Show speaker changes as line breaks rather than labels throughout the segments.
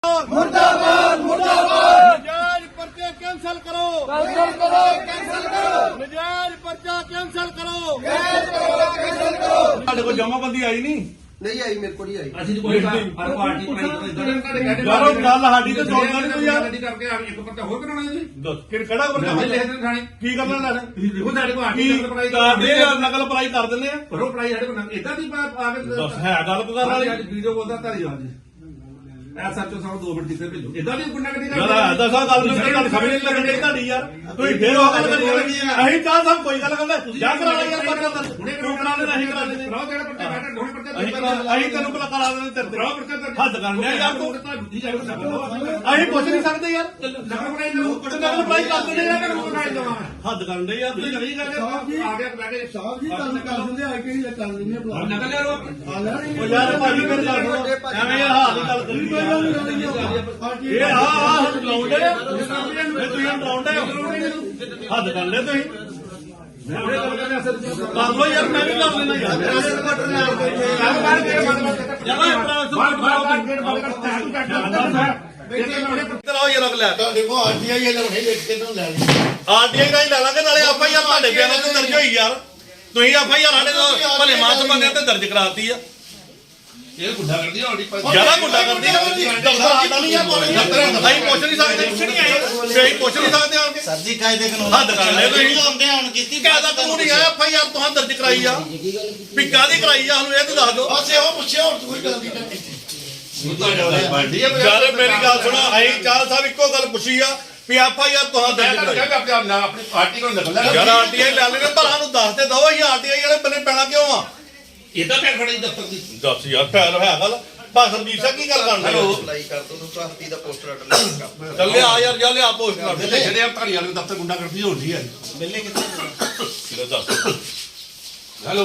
मुर्दाबाद मुर्दाबाद। नजायज पर्चे कैंसिल करो, कैंसिल करो, कैंसिल करो। नजायज पर्चा कैंसिल करो, कैंसिल करो, कैंसिल करो।
ਸਾਡੇ ਕੋਲ ਜਮਾਬੰਦੀ ਆਈ ਨਹੀਂ
आई मेरे को नहीं आई।
ਅਸੀਂ ਤਾਂ ਕੋਈ ਹਰ ਪਾਰਟੀ ਬਣਾਈ
ਯਾਰੋ ਗੱਲ ਸਾਡੀ ਤੇ ਜੋੜਨਾ ਨਹੀਂ ਕੋਈ ਯਾਰ
ਕਰਕੇ ਇੱਕ ਪਰਚਾ ਹੋਰ ਕਰਾਉਣਾ ਜੀ
ਫਿਰ ਕਿਹੜਾ ਬੰਦਾ
ਲੈ ਦੇ ਥਾਣੇ
ਕੀ ਕਰਨਾ ਲੈਣਾ
ਦੇਖੋ ਸਾਡੇ ਕੋਲ
ਕੀ
ਆਰਟੀ ਪੜਾਈ
ਕਰਦੇ ਆ ਨਕਲ ਪੜਾਈ ਕਰ ਦਿੰਦੇ ਆ
ਪਰੋ ਪੜਾਈ ਸਾਡੇ ਕੋਲ ਇਦਾਂ ਦੀ ਆਵੇ
ਦੱਸ ਹੈ ਗੱਲ ਕਰਨ ਵਾਲੀ
ਅੱਜ ਵੀਡੀਓ ਬੋਲਦਾ ਧਾਰੀ ਆ ਜੀ ਐ ਸੱਚੋ ਸਾਨੂੰ 2 ਮਿੰਟ ਕਿਤੇ ਭੇਜੋ ਇਦਾਂ ਦੀ ਗੁੰਡਾ ਕਦੀ
ਯਾਰ ਦੱਸਾਂ ਗੱਲ ਨੂੰ ਗੱਲ ਸਮਝ ਨਹੀਂ ਲੱਗਣੀ ਤੁਹਾਡੀ ਯਾਰ ਤੁਸੀਂ ਫੇਰ ਉਹ ਗੱਲ ਕਰੀ ਅਸੀਂ ਚਾਹ ਸਭ ਕੋਈ ਗੱਲ ਕਰਦਾ ਜਾ ਕਰਾ ਲੈ ਯਾਰ ਪਰਚਾ ਦਰਜ ਤੂੰ ਕਰਾ ਲੈ ਨਹੀਂ ਕਰਾ ਲੈ
ਕਰਾਓ ਜਿਹੜਾ ਪਰਚਾ ਬੈਠਾ ਦੋਵੇਂ ਪਰਚਾ
ਅਸੀਂ ਤੈਨੂੰ ਭਲਾ ਕਰਾ ਦੇਣੇ ਤੇਰੇ
ਕਰਾਓ ਪਰਚਾ
ਹੱਦ ਕਰਨੇ ਆ ਯਾਰ ਤੂੰ
ਬੁੱਧੀ ਜਾਵੇ
ਅਸੀਂ ਪੁੱਛ ਨਹੀਂ ਸਕਦੇ ਯਾਰ
ਨਕਲ ਬਣਾਈ ਲਓ
ਨਕਲ ਪੜਾਈ ਕਰ ਦਿੰਦੇ ਯਾਰ
ਨਕਲ ਬਣਾਈ ਲਓ
ਹੱਦ ਕਰਨ ਦੇ ਯਾਰ
ਤੁਸੀਂ ਨਹੀਂ ਕਰਦੇ ਆ ਗਿਆ ਬੈ ਕੇ
साहब जी कल कर देंगे आई के लिए कर देंगे बुला
ਨਕਲ ਯਾਰ
ਉਹ ਯਾਰ ਭਾਜੀ ਮੇਰੇ ਨਾਲ ਸੁਣੋ ਐਵੇਂ ਯਾਰ ਹਾਲ ਦੀ ਗੱਲ ਕਰੀ ਇਹ ਆਹ ਲਾਉਂਦੇ ਇਹ ਤੁਸੀਂ ਲਾਉਂਦੇ ਹੱਦ ਕਰ ਲੈ ਤੁਸੀਂ ਕਰ ਲੋ ਯਾਰ ਮੈਂ ਵੀ ਕਰ ਲੈਣਾ ਚਲਾਓ ਯਾਰ ਅਗਲਾ
देखो आरटीआई ये लोग नहीं देखते तो ले
ਆਰਟੀਆਈ ਦਾ ਹੀ ਲੈ ਲਾਂਗੇ ਨਾਲੇ ਆਪਾਂ ਯਾਰ ਤੁਹਾਡੇ ਬਿਆਨਾਂ ਤੇ ਦਰਜ ਹੋਈ ਯਾਰ ਤੁਸੀਂ ਆਪਾਂ ਯਾਰ ਸਾਡੇ ਤੋਂ ਭਲੇ ਮਾਸ ਬੰਦਿਆਂ ਤੇ ਦਰਜ ਕਰਾਤੀ ਆ
ਇਹ ਗੁੱਡਾ ਕਰਦੀ ਹੋਣੀ
ਜਿਆਦਾ ਗੁੱਡਾ ਕਰਦੀ ਆ ਦਫ਼ਤਰ ਆਉਂਦਾ ਨਹੀਂ ਆ ਅਸੀਂ ਪੁੱਛ ਨਹੀਂ ਸਕਦੇ ਕੁਛ ਨਹੀਂ ਆਏ ਅਸੀਂ ਪੁੱਛ ਨਹੀਂ ਸਕਦੇ ਆਣ ਕੇ
सर जी कायदे कानून
ਹੱਦ ਕਰ ਲੈ ਤੁਸੀਂ
हमने ऑन की
ਕਾਇਦਾ ਕਾਨੂੰਨ ਹੀ ਆ ਐਫਆਈਆਰ ਤੁਹਾਨੂੰ ਦਰਜ ਕਰਾਈ ਆ ਵੀ ਕਾਹਦੀ ਕਰਾਈ ਆ ਸਾਨੂੰ ਇਹ ਤੇ ਦੱਸ ਦਿਓ
बस वो पूछे और कोई गल नहीं करती
ਯਾਰ ਮੇਰੀ ਗੱਲ ਸੁਣੋ ਅਸੀਂ ਚਾਲ ਸਾਹਿਬ ਇੱਕੋ ਗੱਲ ਪੁੱਛੀ ਆ ਵੀ ਐਫਆਈਆਰ ਤੁਹਾਨੂੰ ਦਰਜ ਕਰਾਈ
ਆਪਣੀ ਪਾਰਟੀ ਕੋਲ ਨਕਲ
ਯਾਰ ਆਰਟੀਆਈ ਲੈ ਲੈਣੇ ਭਲਾ ਨੂੰ ਦੱਸ ਤੇ ਦਓ ਅਸੀਂ ਆਰਟੀਆਈ ਵਾਲੇ ਬੰਨੇ ਪੈਣਾ ਕਿਉਂ ਆ
ਇਦਾਂ ਪੈਰ ਫੜੀ ਦਫ਼ਤਰ ਦੀ
ਦੱਸ ਯਾਰ ਫੈਲ ਹੈ ਗੱਲ ਬਸ ਸਰਜੀਤ ਸਿੰਘ ਕੀ ਗੱਲ ਕਰਨ ਦੇ
अप्लाई कर दो तो हफ्ती दा पोस्टर अटल
ਚੱਲ ਲਿਆ ਯਾਰ ਜਾ ਲਿਆ ਪੋਸਟ ਕਰ ਦੇ
ਜਿਹੜੇ ਧਾਰੀ ਵਾਲੇ ਦਫ਼ਤਰ ਗੁੰਡਾ ਕਰਦੀ ਹੋਣੀ ਹੈ
मिलने कितने
ਲੈ ਦੱਸ
ਹੈਲੋ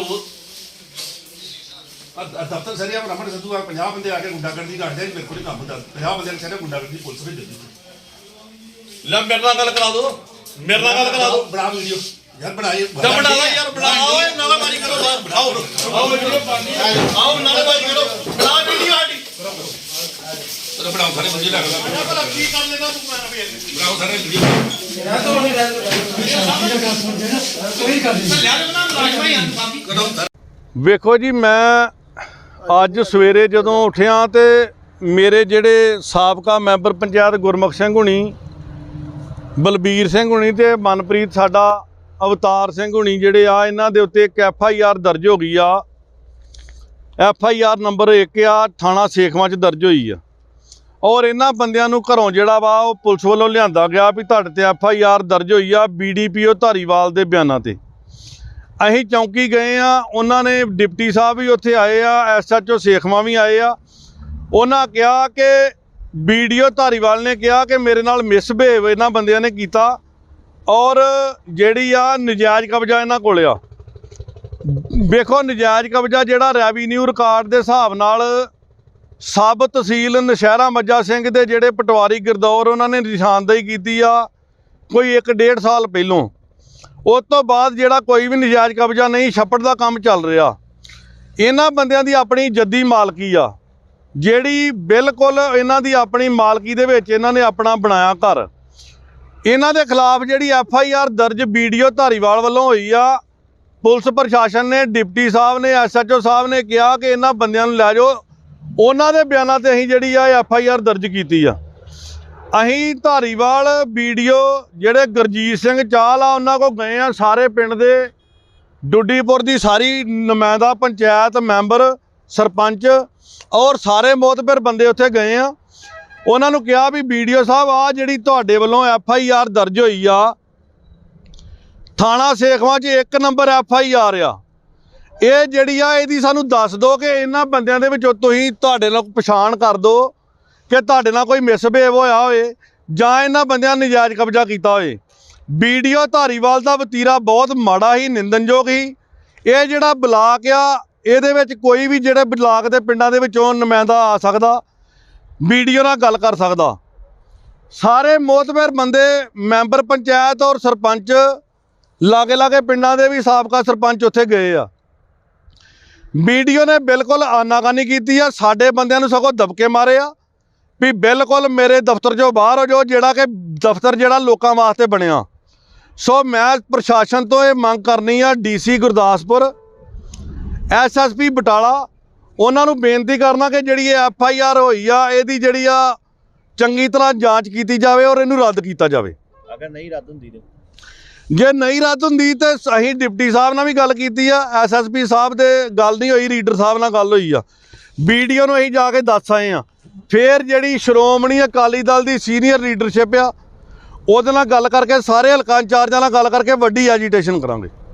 ਦਫ਼ਤਰ ਸਰੀਆ ਬ੍ਰਾਹਮਣ ਸੱਧੂ ਆ 50 ਬੰਦੇ ਆ ਕੇ ਗੁੰਡਾ ਕਰਦੀ ਕਰਦੇ ਮੇਰੇ ਕੋਲ ਕੰਮ ਦਾ 50 ਬੰਦੇ ਨੇ ਸਾਰੇ ਗੁੰਡਾ ਕਰਦੀ ਪੁਲਿਸ ਭੇਜ ਦਿੱਤੀ
ਲੈ ਮੇਰੇ ਨਾਲ ਗੱਲ ਕਰਾ ਦੋ ਮੇਰੇ ਨਾਲ ਗੱਲ ਕਰਾ ਦੋ
ਬਣਾ ਵੀਡੀਓ ਯਾਰ ਬਣਾਏ
ਬਣਾ ਲਾ ਯਾਰ ਬਣਾ ਓਏ ਨਾਲਾਬਾਜ਼ੀ ਕਰੋ ਬਾਹਰ ਆਓ ਆਓ ਵੀਡੀਓ ਆਓ ਨਾਲਾਬਾਜ਼ੀ ਕਰੋ ਬਣਾ ਵੀਡੀਓ ਆਡੀ
ਤੇ ਬਣਾਓ ਸਾਰੇ ਬੰਦੇ ਲੱਗਦਾ
ਭਲਾ ਕੀ ਕਰ ਲੈਣਾ ਤੂੰ ਮੈਂ ਵੀ
ਬਣਾਓ ਸਾਰੇ ਵੀਡੀਓ
ਵੇਖੋ ਜੀ ਮੈਂ ਅੱਜ ਸਵੇਰੇ ਜਦੋਂ ਉੱਠਿਆ ਤੇ ਮੇਰੇ ਜਿਹੜੇ ਸਾਬਕਾ ਮੈਂਬਰ ਪੰਚਾਇਤ ਗੁਰਮੁਖ ਸਿੰਘ ਹੁਣੀ ਬਲਬੀਰ ਸਿੰਘ ਹੁਣੀ ਤੇ ਮਨਪ੍ਰੀਤ ਸਾਡਾ ਅਵਤਾਰ ਸਿੰਘ ਹੁਣੀ ਜਿਹੜੇ ਆ ਇਹਨਾਂ ਦੇ ਉੱਤੇ ਇੱਕ ਐਫਆਈਆਰ ਦਰਜ ਹੋ ਗਈ ਆ ਐਫਆਈਆਰ ਨੰਬਰ 1 ਆ ਥਾਣਾ ਸੇਖਵਾਂ 'ਚ ਦਰਜ ਹੋਈ ਆ ਔਰ ਇਹਨਾਂ ਬੰਦਿਆਂ ਨੂੰ ਘਰੋਂ ਜਿਹੜਾ ਵਾ ਉਹ ਪੁਲਿਸ ਵੱਲੋਂ ਲਿਆਂਦਾ ਗਿਆ ਵੀ ਤੁਹਾਡੇ ਤੇ ਐਫਆਈਆਰ ਦਰਜ ਹੋਈ ਆ ਬੀਡੀਪੀਓ ਧਾਰੀਵਾਲ ਦੇ ਬਿਆਨਾਂ ਤੇ ਅਸੀਂ ਚੌਂਕੀ ਗਏ ਆ ਉਹਨਾਂ ਨੇ ਡਿਪਟੀ ਸਾਹਿਬ ਵੀ ਉੱਥੇ ਆਏ ਆ ਐਸਐਚਓ ਸੇਖਵਾਂ ਵੀ ਆਏ ਆ ਉਹਨਾਂ ਕਿਹਾ ਕਿ ਵੀਡੀਓ ਧਾਰੀਵਾਲ ਨੇ ਕਿਹਾ ਕਿ ਮੇਰੇ ਨਾਲ ਮਿਸਬਿਹੇਵ ਇਹਨਾਂ ਬੰਦਿਆਂ ਨੇ ਕੀਤਾ ਔਰ ਜਿਹੜੀ ਆ ਨਜਾਇਜ਼ ਕਬਜ਼ਾ ਇਹਨਾਂ ਕੋਲ ਆ ਵੇਖੋ ਨਜਾਇਜ਼ ਕਬਜ਼ਾ ਜਿਹੜਾ ਰੈਵੀਨਿਊ ਰਿਕਾਰਡ ਦੇ ਹਿਸਾਬ ਨਾਲ ਸਬ ਤਹਿਸੀਲ ਨਸ਼ਹਿਰਾ ਮੱਜਾ ਸਿੰਘ ਦੇ ਜਿਹੜੇ ਪਟਵਾਰੀ ਗਿਰਦੌਰ ਉਹਨਾਂ ਨੇ ਨਿਸ਼ਾਨਦੇਹੀ ਕੀਤੀ ਆ ਕੋਈ 1.5 ਸਾਲ ਪਹਿਲੋਂ ਉਸ ਤੋਂ ਬਾਅਦ ਜਿਹੜਾ ਕੋਈ ਵੀ ਨਜਾਇਜ਼ ਕਬਜ਼ਾ ਨਹੀਂ ਛੱਪੜ ਦਾ ਕੰਮ ਚੱਲ ਰਿਹਾ ਇਹਨਾਂ ਬੰਦਿਆਂ ਦੀ ਆਪਣੀ ਜੱਦੀ ਮਾਲਕੀ ਆ ਜਿਹੜੀ ਬਿਲਕੁਲ ਇਹਨਾਂ ਦੀ ਆਪਣੀ ਮਾਲਕੀ ਦੇ ਵਿੱਚ ਇਹਨਾਂ ਨੇ ਆਪਣਾ ਬਣਾਇਆ ਘਰ ਇਹਨਾਂ ਦੇ ਖਿਲਾਫ ਜਿਹੜੀ ਐਫਆਈਆਰ ਦਰਜ ਵੀਡੀਓ ਧਾਰੀਵਾਲ ਵੱਲੋਂ ਹੋਈ ਆ ਪੁਲਿਸ ਪ੍ਰਸ਼ਾਸਨ ਨੇ ਡਿਪਟੀ ਸਾਹਿਬ ਨੇ ਐਸਐਚਓ ਸਾਹਿਬ ਨੇ ਕਿਹਾ ਕਿ ਇਹਨਾਂ ਬੰਦਿਆਂ ਨੂੰ ਲੈ ਜਾਓ ਉਹਨਾਂ ਦੇ ਬਿਆਨਾਂ ਤੇ ਅਸੀਂ ਜਿਹੜੀ ਆ ਐਫਆਈਆਰ ਦਰਜ ਕੀਤੀ ਆ ਅਸੀਂ ਧਾਰੀਵਾਲ ਵੀਡੀਓ ਜਿਹੜੇ ਗੁਰਜੀਤ ਸਿੰਘ ਚਾਹਲ ਆ ਉਹਨਾਂ ਕੋਲ ਗਏ ਆ ਸਾਰੇ ਪਿੰਡ ਦੇ ਡੁੱਡੀਪੁਰ ਦੀ ਸਾਰੀ ਨੁਮਾਇੰਦਾ ਪੰਚਾਇਤ ਮੈਂਬਰ ਸਰਪੰਚ ਔਰ ਸਾਰੇ ਮੋਤਬਰ ਬੰਦੇ ਉੱਥੇ ਗਏ ਆ ਉਹਨਾਂ ਨੂੰ ਕਿਹਾ ਵੀ ਵੀਡੀਓ ਸਾਹਿਬ ਆ ਜਿਹੜੀ ਤੁਹਾਡੇ ਵੱਲੋਂ ਐਫਆਈਆਰ ਦਰਜ ਹੋਈ ਆ ਥਾਣਾ ਸੇਖਵਾਂ 'ਚ 1 ਨੰਬਰ ਐਫਆਈਆਰ ਆ ਇਹ ਜਿਹੜੀ ਆ ਇਹਦੀ ਸਾਨੂੰ ਦੱਸ ਦਿਓ ਕਿ ਇਹਨਾਂ ਬੰਦਿਆਂ ਦੇ ਵਿੱਚੋਂ ਤੁਸੀਂ ਤੁਹਾਡੇ ਨਾਲ ਪਛਾਣ ਕਰ ਦਿਓ ਕਿ ਤੁਹਾਡੇ ਨਾਲ ਕੋਈ ਮਿਸਬਿਹੇਵ ਹੋਇਆ ਹੋਏ ਜਾਂ ਇਹਨਾਂ ਬੰਦਿਆਂ ਨੇ ਨਜਾਇਜ਼ ਕਬਜ਼ਾ ਕੀਤਾ ਹੋਏ ਵੀਡੀਓ ਧਾਰੀਵਾਲ ਦਾ ਵਤੀਰਾ ਬਹੁਤ ਮਾੜਾ ਹੀ ਨਿੰਦਨਯੋਗ ਹੀ ਇਹ ਜਿਹੜਾ ਬਲਾਕ ਆ ਇਹਦੇ ਵਿੱਚ ਕੋਈ ਵੀ ਜਿਹੜੇ ਬਲਾਕ ਦੇ ਪਿੰਡਾਂ ਦੇ ਵਿੱਚੋਂ ਨੁਮਾਇੰਦਾ ਆ ਸਕਦਾ ਵੀਡੀਓ ਨਾਲ ਗੱਲ ਕਰ ਸਕਦਾ ਸਾਰੇ ਮੋਤਬਰ ਬੰਦੇ ਮੈਂਬਰ ਪੰਚਾਇਤ ਔਰ ਸਰਪੰਚ ਲਾਗੇ ਪਿੰਡਾਂ ਦੇ ਵੀ ਸਾਬਕਾ ਸਰਪੰਚ ਉੱਥੇ ਗਏ ਆ ਵੀਡੀਓ ਨੇ ਬਿਲਕੁਲ ਆਨਾਕਾਨੀ ਕੀਤੀ ਆ ਸਾਡੇ ਬੰਦਿਆਂ ਨੂੰ ਸਗੋਂ ਦਬਕੇ ਮਾਰੇ ਆ ਵੀ ਬਿਲਕੁਲ ਮੇਰੇ ਦਫ਼ਤਰ 'ਚੋਂ ਬਾਹਰ ਹੋ ਜਾਓ, ਜਿਹੜਾ ਕਿ ਦਫ਼ਤਰ ਜਿਹੜਾ ਲੋਕਾਂ ਵਾਸਤੇ ਬਣਿਆ। ਸੋ ਮੈਂ ਪ੍ਰਸ਼ਾਸਨ ਤੋਂ ਇਹ ਮੰਗ ਕਰਨੀ ਆ, DC ਗੁਰਦਾਸਪੁਰ, SSP ਬਟਾਲਾ, ਉਹਨਾਂ ਨੂੰ ਬੇਨਤੀ ਕਰਨਾ ਕਿ ਜਿਹੜੀ ਇਹ FIR ਹੋਈ ਆ ਇਹਦੀ ਜਿਹੜੀ ਆ ਚੰਗੀ ਤਰ੍ਹਾਂ ਜਾਂਚ ਕੀਤੀ ਜਾਵੇ ਔਰ ਇਹਨੂੰ ਰੱਦ ਕੀਤਾ ਜਾਵੇ।
ਅਗਰ ਨਹੀਂ ਰੱਦ ਹੁੰਦੀ ਤੇ
ਜੇ ਨਹੀਂ ਰੱਦ ਹੁੰਦੀ ਤੇ ਅਸੀਂ ਡਿਪਟੀ ਸਾਹਿਬ ਨਾਲ ਵੀ ਗੱਲ ਕੀਤੀ ਆ, SSP ਸਾਹਿਬ ਦੇ ਗੱਲ ਨਹੀਂ ਹੋਈ, ਰੀਡਰ ਸਾਹਿਬ ਨਾਲ ਗੱਲ ਹੋਈ ਆ, BDO ਨੂੰ ਅਸੀਂ ਜਾ ਕੇ ਦੱਸ ਆਏ ਆ। ਫਿਰ ਜਿਹੜੀ ਸ਼੍ਰੋਮਣੀ ਅਕਾਲੀ ਦਲ ਦੀ ਸੀਨੀਅਰ ਲੀਡਰਸ਼ਿਪ ਆ ਉਹਦੇ ਨਾਲ ਗੱਲ ਕਰਕੇ, ਸਾਰੇ ਹਲਕਾ ਇੰਚਾਰਜਾਂ ਨਾਲ ਗੱਲ ਕਰਕੇ ਵੱਡੀ ਐਜੀਟੇਸ਼ਨ ਕਰਾਂਗੇ।